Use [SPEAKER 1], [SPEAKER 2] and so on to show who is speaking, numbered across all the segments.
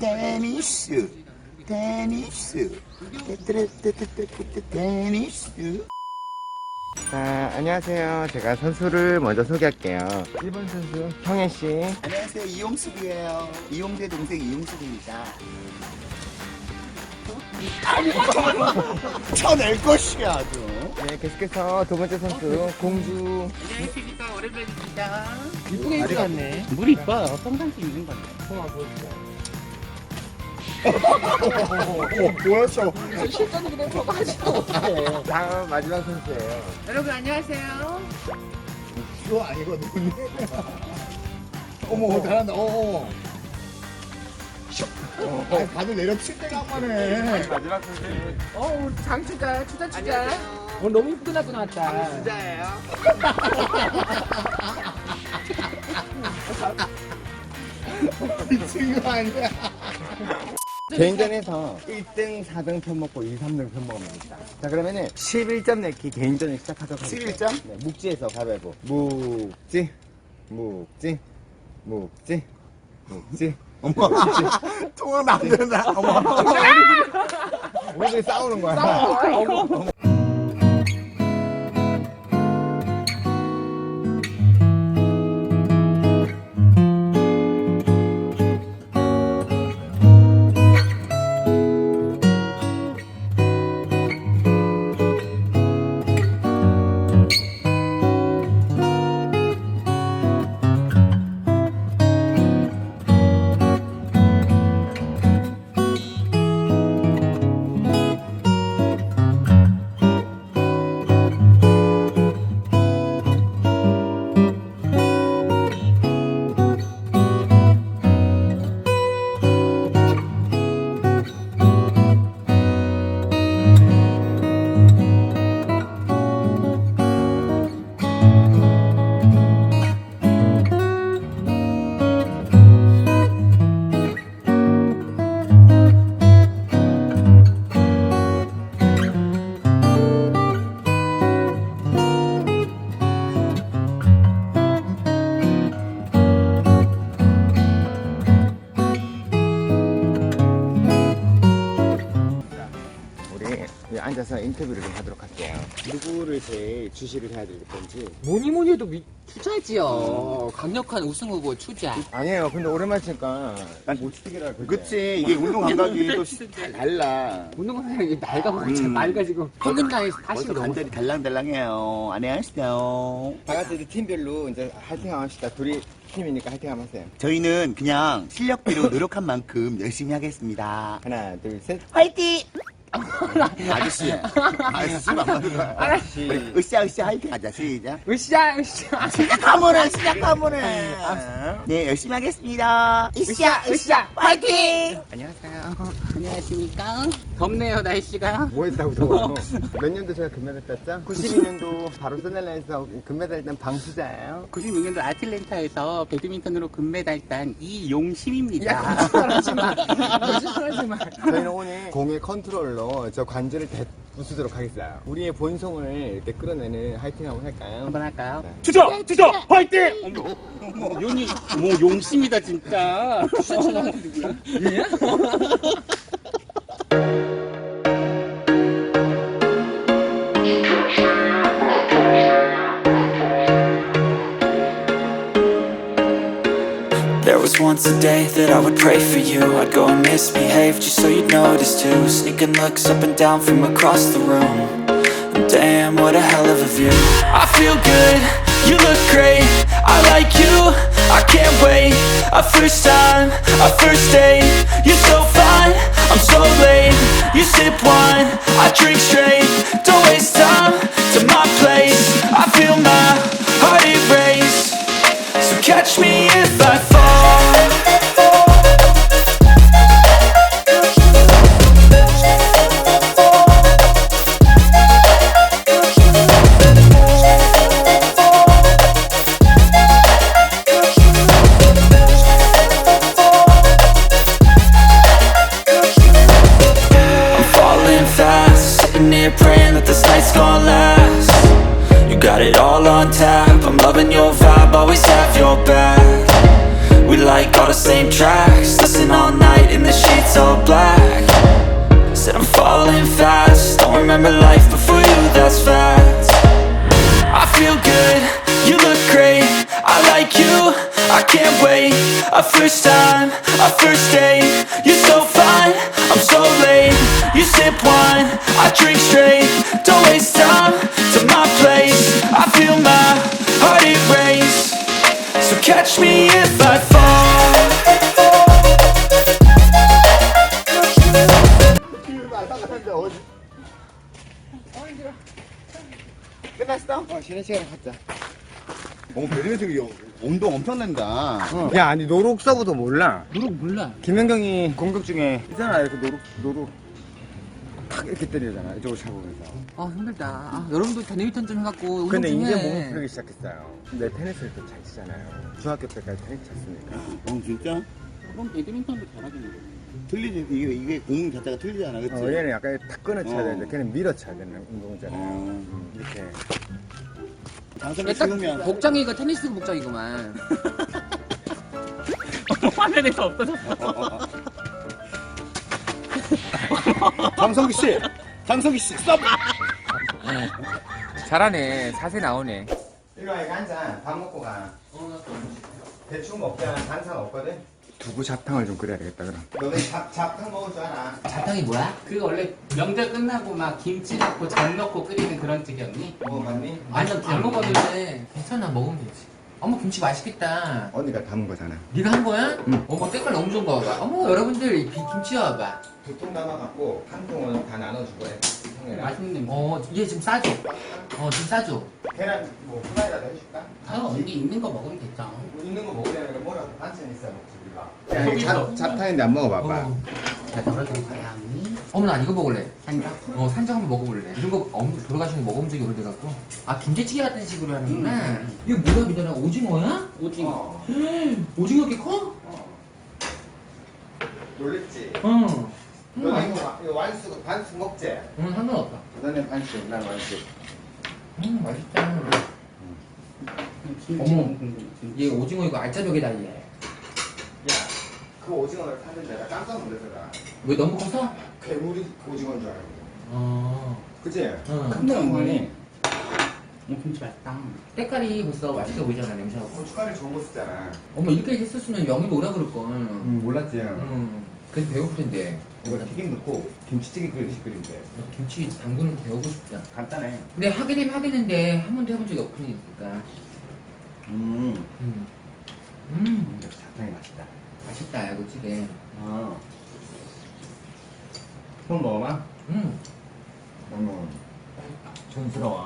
[SPEAKER 1] 테니스 테니스.
[SPEAKER 2] 자, 안녕하세요. 제가 선수를 먼저 소개할게요. 1번 선수 형혜씨.
[SPEAKER 1] 안녕하세요, 이용숙이에요. 이용재 동생 이용숙입니다. 쳐낼 것이야 아주.
[SPEAKER 2] 네, 계속해서 두 번째 선수 공주.
[SPEAKER 3] 안녕하십니까, 오랜만입니다.
[SPEAKER 4] 이쁘게 입고 왔네.
[SPEAKER 3] 물 이뻐요. 평상시 입는 건데.
[SPEAKER 4] 한번 보여주세요.
[SPEAKER 1] 보였어.
[SPEAKER 4] 실전이 그냥 저거 하지도 못해.
[SPEAKER 2] 다음 마지막 선수예요.
[SPEAKER 3] 여러분 안녕하세요.
[SPEAKER 1] 그거 아니거든. 어머, 잘한다. 아니, 다들 내려칠 때가 한 번에.
[SPEAKER 2] 마지막 선수는
[SPEAKER 4] 우리 장추자, 추자. 오늘 너무 이쁘게 나고 나왔다.
[SPEAKER 3] 진짜예요.
[SPEAKER 1] 미친 거 아니야?
[SPEAKER 2] 개인전에서 1등, 4등 편먹고 2, 3등 편먹으면 됩니다. 자, 그러면은 11점 내기 개인전을 시작하도록 하겠습니다.
[SPEAKER 1] 11점?
[SPEAKER 2] 네, 묵지에서 가위바위보. 묵지.
[SPEAKER 1] 어머, 통을 만드는다. 어머.
[SPEAKER 2] 우리들이 싸우는 거야. 우리 앉아서 인터뷰를 좀 하도록 할게요. 누구를 제일 주시를 해야 될 건지.
[SPEAKER 4] 뭐니 해도 추자지요. 강력한 우승 후보 추자.
[SPEAKER 2] 아니에요. 근데 오랜만에 치니까 못 치기라 그러지.
[SPEAKER 1] 그치, 이게 운동 감각이 또 잘 달라.
[SPEAKER 4] 운동선생님이 나이가 잘 맑아지고 평균 나이 40
[SPEAKER 1] 벌써
[SPEAKER 4] 넘었어.
[SPEAKER 1] 관절이 달랑달랑해요. 안녕하세요.
[SPEAKER 2] 다 같이 이제 팀별로 이제 화이팅 합시다. 둘이 팀이니까 화이팅 한번 하세요.
[SPEAKER 1] 저희는 그냥 실력비로 노력한 만큼 열심히 하겠습니다.
[SPEAKER 2] 하나, 둘, 셋.
[SPEAKER 1] 화이팅! 아저씨. 아저씨 술안 맞는 거야.
[SPEAKER 2] 아저씨.
[SPEAKER 1] 으쌰으쌰 화이팅 하자. 시작.
[SPEAKER 4] 으쌰.
[SPEAKER 1] 시작하면 해. 네, 열심히 하겠습니다. 으쌰 화이팅!
[SPEAKER 2] 안녕하세요.
[SPEAKER 3] 안녕하십니까. 덥네요, 날씨가.
[SPEAKER 2] 뭐 했다고 더워요? 몇 년도 제가 금메달 땄죠? 92년도 바로 스넬라에서 금메달 딴 방수자예요.
[SPEAKER 3] 96년도 아틀랜타에서 배드민턴으로 금메달 딴 이용심입니다.
[SPEAKER 4] 거짓말하지 마.
[SPEAKER 2] 저희는 오늘 공의 컨트롤로 저 관절을 부수도록 하겠어요. 우리의 본성을 이렇게 끌어내는 화이팅 한번 할까요?
[SPEAKER 3] 한번 할까요?
[SPEAKER 1] 주저 화이팅!
[SPEAKER 3] 용이 뭐 용심이다 진짜.
[SPEAKER 5] There was once a day that I would pray for you. I'd go and misbehave just so you'd notice too. Sneaking looks up and down from across the room. And damn, what a hell of a view. I feel good, you look great. I like you, I can't wait. A first time, a first date. You're so fine, I'm so late. You sip wine, I drink straight. Don't waste time to my place. I feel my heart erase. So catch me if I fall. I'm falling fast, sitting here praying that this night's gonna last. You got it all on tap, I'm loving your vibe, always have your back. We like all the same tracks, listen all night in the it's all black. Said I'm falling fast. Don't remember life before you, that's facts. I feel good, you look great. I like you, I can't wait. A first time, a first date. You're so fine, I'm so late. You sip wine, I drink straight. Don't waste time to my place. I feel my heart erase. So catch me if I fall.
[SPEAKER 2] 끝났어? 쉬는 시간에 갖자.
[SPEAKER 1] 배드민턴 이거 운동 엄청 낸다.
[SPEAKER 2] 야, 아니 노룩서부터 몰라.
[SPEAKER 4] 노력 몰라.
[SPEAKER 2] 김현경이 공격 중에 있잖아, 이렇게 노룩 탁 이렇게 때리잖아, 이쪽으로 잡으면서.
[SPEAKER 4] 아 힘들다. 아, 여러분도 배드민턴 좀 해갖고 운동
[SPEAKER 2] 근데
[SPEAKER 4] 좀
[SPEAKER 2] 이제
[SPEAKER 4] 해.
[SPEAKER 2] 몸이 풀리기 시작했어요. 근데 테니스를 또 잘 치잖아요. 중학교 때까지 테니스 쳤으니까.
[SPEAKER 1] 진짜?
[SPEAKER 3] 그럼 배드민턴도 잘하겠네.
[SPEAKER 1] 틀리지. 이게 공 자체가 틀리잖아, 그치?
[SPEAKER 2] 얘는 약간 탁 끊어 쳐야
[SPEAKER 1] 어.
[SPEAKER 2] 되는데 걔는 밀어 쳐야 되는 운동이잖아요. 이렇게.
[SPEAKER 1] 장성이
[SPEAKER 4] 딱
[SPEAKER 1] 쉬우면.
[SPEAKER 4] 복장이가 테니스 복장이구만.
[SPEAKER 3] 화면에서 없어졌어.
[SPEAKER 1] 장성기 씨, 스톱!
[SPEAKER 4] 잘하네. 자세 나오네.
[SPEAKER 2] 이거 한잔 밥 먹고 가. 대충 먹자. 반찬 없거든? 두부 잡탕을 좀 끓여야 되겠다, 그럼. 너네 잡탕 먹을 줄 알아?
[SPEAKER 4] 잡탕이 뭐야?
[SPEAKER 3] 그 원래 명절 끝나고 막 김치 넣고 전 넣고 끓이는 그런 찌개였니?
[SPEAKER 2] 먹어봤니?
[SPEAKER 4] 아니 안 먹었는데 괜찮아 먹으면 되지. 어머 김치 맛있겠다.
[SPEAKER 2] 언니가 담은 거잖아.
[SPEAKER 4] 네가 한 거야? 어머 색깔 너무 좋은 거 봐봐. 어머 여러분들 이 김치 봐봐.
[SPEAKER 2] 두 통 담아갖고 한 통은 다 나눠주고 해. 형이랑.
[SPEAKER 3] 맛있는 냄새.
[SPEAKER 4] 얘 지금 싸줘. 지금 싸줘.
[SPEAKER 2] 계란 뭐 후라이라도 해줄까?
[SPEAKER 3] 아, 언니 있는 거 먹으면 됐죠.
[SPEAKER 2] 뭐 있는 거 먹으려면 뭐라도 반찬 있어야 먹지 우리가.
[SPEAKER 3] 거기서.
[SPEAKER 2] 잡탕인데 안 먹어봐봐.
[SPEAKER 3] 자, 덜어드릴까요, 언니?
[SPEAKER 4] 어머 난 이거 먹을래.
[SPEAKER 3] 산적?
[SPEAKER 4] 산적 한번 먹어볼래. 이런 거 돌아가시는 거 먹어본 적이 오래돼갖고. 아 김치찌개 같은 식으로 하는구나. 이거 뭐야 민현아 오징어야?
[SPEAKER 3] 오징어.
[SPEAKER 4] 오징어 이렇게 커?
[SPEAKER 2] 놀랬지?
[SPEAKER 4] 응.
[SPEAKER 2] 너네 이거 완숙 반숙 먹지?
[SPEAKER 4] 응 상관없다.
[SPEAKER 2] 너네 반숙, 난 완숙.
[SPEAKER 4] 맛있다.
[SPEAKER 3] 김치
[SPEAKER 4] 어머.
[SPEAKER 3] 너무 궁금해.
[SPEAKER 4] 얘 오징어 이거 알짜배기다 얘.
[SPEAKER 2] 야, 그 오징어를 샀는데 나 깜짝 놀라더라.
[SPEAKER 4] 왜 너무 커서?
[SPEAKER 2] 괴물이 오징어인 줄 알고.
[SPEAKER 4] 어.
[SPEAKER 2] 그치?
[SPEAKER 4] 응.
[SPEAKER 2] 근데 어머니
[SPEAKER 3] 김치 맛있다.
[SPEAKER 4] 색깔이 벌써 맛있어 보이잖아 냄새하고.
[SPEAKER 2] 고춧가루 좋은 거 쓰잖아.
[SPEAKER 4] 어머 이렇게 했었으면 영희도 오라 그럴걸.
[SPEAKER 2] 몰랐지?
[SPEAKER 4] 그래서 배고플 텐데.
[SPEAKER 2] 이거 튀김 넣고 김치찌개 끓이듯이 끓인대.
[SPEAKER 4] 김치 담그는 거 배우고 싶다.
[SPEAKER 2] 간단해.
[SPEAKER 4] 근데 하게 되면 하겠는데 한 번도 해본 적이 없으니까.
[SPEAKER 2] 잡탕이 맛있다.
[SPEAKER 4] 맛있다 이거 찌개.
[SPEAKER 2] 손 먹어봐. 너무 촌스러워.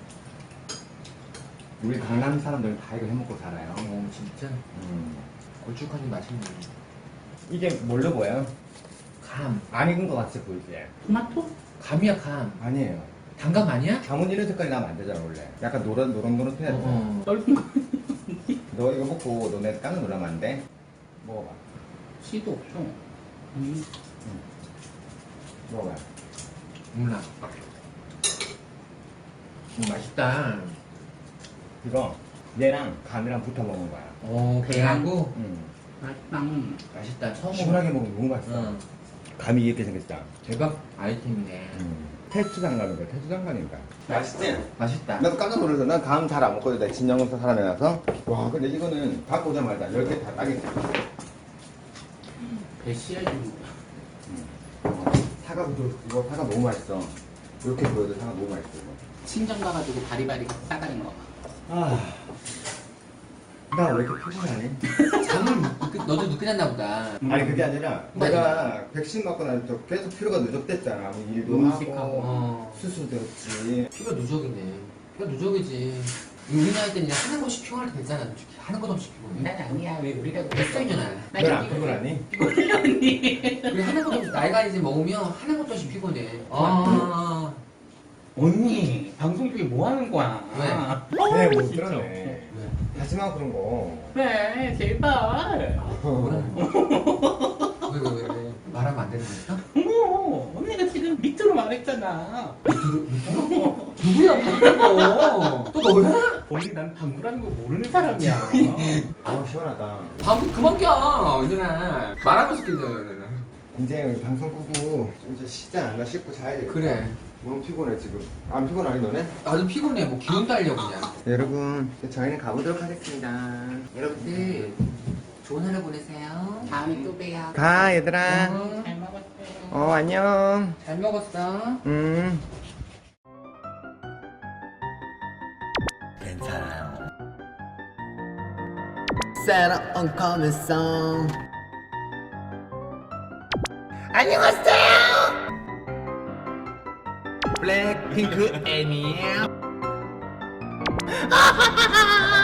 [SPEAKER 2] 우리 강남 사람들은 다 이거 해먹고 살아요.
[SPEAKER 4] 진짜 걸쭉하니 맛있네.
[SPEAKER 2] 이게 뭘로 보여요?
[SPEAKER 4] 감.
[SPEAKER 2] 안 익은 거 같이 보이지?
[SPEAKER 3] 토마토?
[SPEAKER 4] 감이야 감.
[SPEAKER 2] 아니에요.
[SPEAKER 4] 단감 아니야?
[SPEAKER 2] 감은 이런 색깔이 나면 안 되잖아 원래. 약간 노릇노릇해야 돼.
[SPEAKER 3] 떫은 거.
[SPEAKER 2] 너 이거 먹고 너네 깜짝 놀라면 안 돼? 먹어봐.
[SPEAKER 3] 씨도 없어.
[SPEAKER 2] 먹어봐.
[SPEAKER 4] 몰라. 맛있다.
[SPEAKER 2] 이거 얘랑 감이랑 붙어 먹는 거야.
[SPEAKER 4] 배하고
[SPEAKER 3] 맛있다.
[SPEAKER 4] 맛있다. 처음
[SPEAKER 2] 시원하게 먹으면 너무 맛있어.
[SPEAKER 4] 응.
[SPEAKER 2] 감이 이렇게 생겼다.
[SPEAKER 4] 대박 아이템이네.
[SPEAKER 2] 테스트장 가는 거야. 테스트장 가니까. 맛있지?
[SPEAKER 4] 맛있다.
[SPEAKER 2] 나도 깜짝 놀라서 난 감 잘 안 먹거든. 나 진영검사 사람이라서. 와 근데 이거는 갖고 오자마자 10개 다 따겠어.
[SPEAKER 3] 배 씨알 좀.
[SPEAKER 2] 사과 부족 이거 사과 너무 맛있어. 이렇게 보여도 사과 너무 맛있어 이거.
[SPEAKER 3] 친정 가가지고 바리바리 싸가는 거.
[SPEAKER 2] 나 왜 이렇게 피곤하니?
[SPEAKER 4] 잠을 너도 늦게 잤나 보다.
[SPEAKER 2] 아니 그게 아니라 내가 백신 맞고 나서 계속 피로가 누적됐잖아. 뭐 일도
[SPEAKER 3] 음식하고.
[SPEAKER 2] 하고 수술도 했지.
[SPEAKER 4] 피가 누적이네. 피가 누적이지. 우리 나이 때는 그냥 하는 것이 피곤할 때 됐잖아. 솔직히. 하는 것 없이 피곤해.
[SPEAKER 3] 난 아니야. 왜 우리가
[SPEAKER 4] 뱃살이잖아.
[SPEAKER 2] 넌안 피곤하니?
[SPEAKER 4] 우리 하는 것 없이 나이가 이제 먹으면 하는 것도 없이 피곤해.
[SPEAKER 3] 언니 방송 중에 뭐 하는 거야?
[SPEAKER 2] 네, 못 들었네. 하지마 그런 거.
[SPEAKER 3] 왜 제발.
[SPEAKER 4] 왜? 말하면 안 되는 거였어?
[SPEAKER 3] 어머, 언니가 지금 밑으로 말했잖아.
[SPEAKER 4] 누구야 방금 또 너야?
[SPEAKER 3] 언니 난 방구라는 거 모르는 사람이야.
[SPEAKER 2] 시원하다.
[SPEAKER 4] 방금 그만 껴. 얘들아. 말하고 싶겠네.
[SPEAKER 2] 이제 우리 방송 끄고 좀 이제 쉬자. 나 씻고 자야지.
[SPEAKER 4] 그래.
[SPEAKER 2] 너무 피곤해 지금. 안 피곤하니 너네?
[SPEAKER 4] 나도 피곤해. 뭐 기운 달려 그냥.
[SPEAKER 2] 여러분 저희는 가보도록 하겠습니다.
[SPEAKER 4] 여러분들 좋은 하루 보내세요.
[SPEAKER 3] 다음에 또 봬요.
[SPEAKER 2] 가 얘들아.
[SPEAKER 3] 잘 먹었어요.
[SPEAKER 2] 안녕.
[SPEAKER 4] 잘 먹었어.
[SPEAKER 2] 괜찮아요. Set up on coming song. 안녕하세요. 블랙핑크 애니에요.